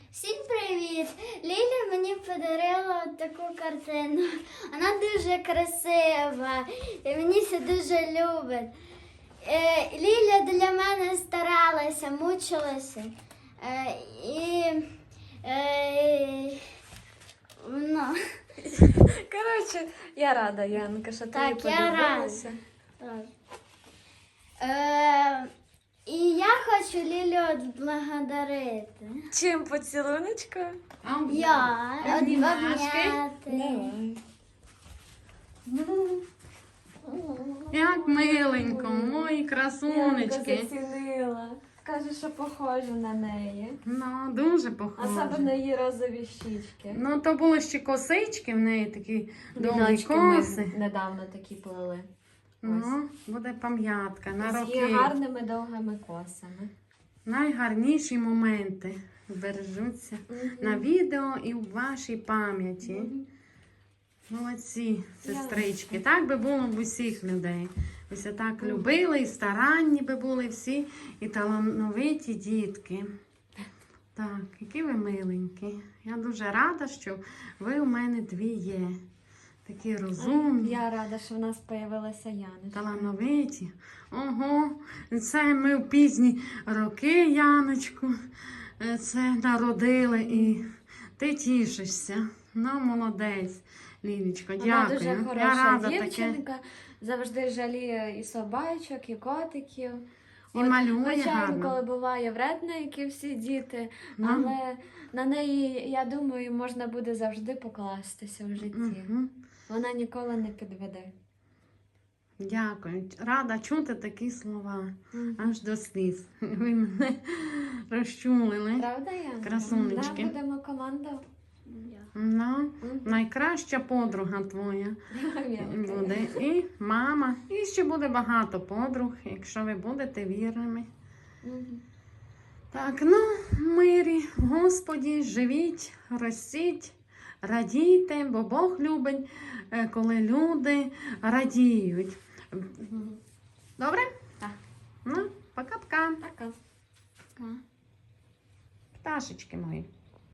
Всім привіт! Ліля мені подарила таку картину. Вона дуже красива і мені це дуже любить. Ліля для мене старалася, мучилася. Коротше, я рада, Янка, що тобі Так, я подобалося. рада. І я хочу Лілю відблагодарити. Чим поцілуночко? Я обняти. Давай. Як миленько, мої красунечки. Янка зацінила. Каже, що похожа на неї. Ну, дуже похоже. Особливо її розові щічки. Ну, то були ще косички в неї такі довгі Віночки ми коси. недавно такі плели. Ну, буде пам'ятка на З її роки. гарними довгими косами. Найгарніші моменти збережуться на відео і в вашій пам'яті. Молодці, сестрички. Так би було в усіх людей. Ось так любили, і старанні би були всі, і талановиті дітки. Так, які ви миленькі. Я дуже рада, що ви у мене дві є. Такі розумні, Я рада, що в нас з'явилася Яночка. талановиті. Ого, це ми в пізні роки, Яночку, це народили, і ти тішишся. Ну, молодець, Лілічко, Вона дякую. дуже Я хороша рада дівчинка, завжди жаліє і собачок, і котиків. І малює Звичайно, гарно. коли буває вредна, як і всі діти, Ну. але на неї, я думаю, можна буде завжди покластися в житті. Мгм. Вона ніколи не підведе. Дякую. Рада чути такі слова. Мгм. Аж до сліз. Ви мене розчулили. Правда, Янка? Красунечки. Да, будемо команда. Ну, найкраща подруга твоя буде. І мама. І ще буде багато подруг, якщо ви будете вірними. Так, ну, в мирі, Господі, живіть, ростіть, радійте, бо Бог любить, коли люди радіють. Добре? Так. Ну, пока-пока. Пока. Пташечки мої.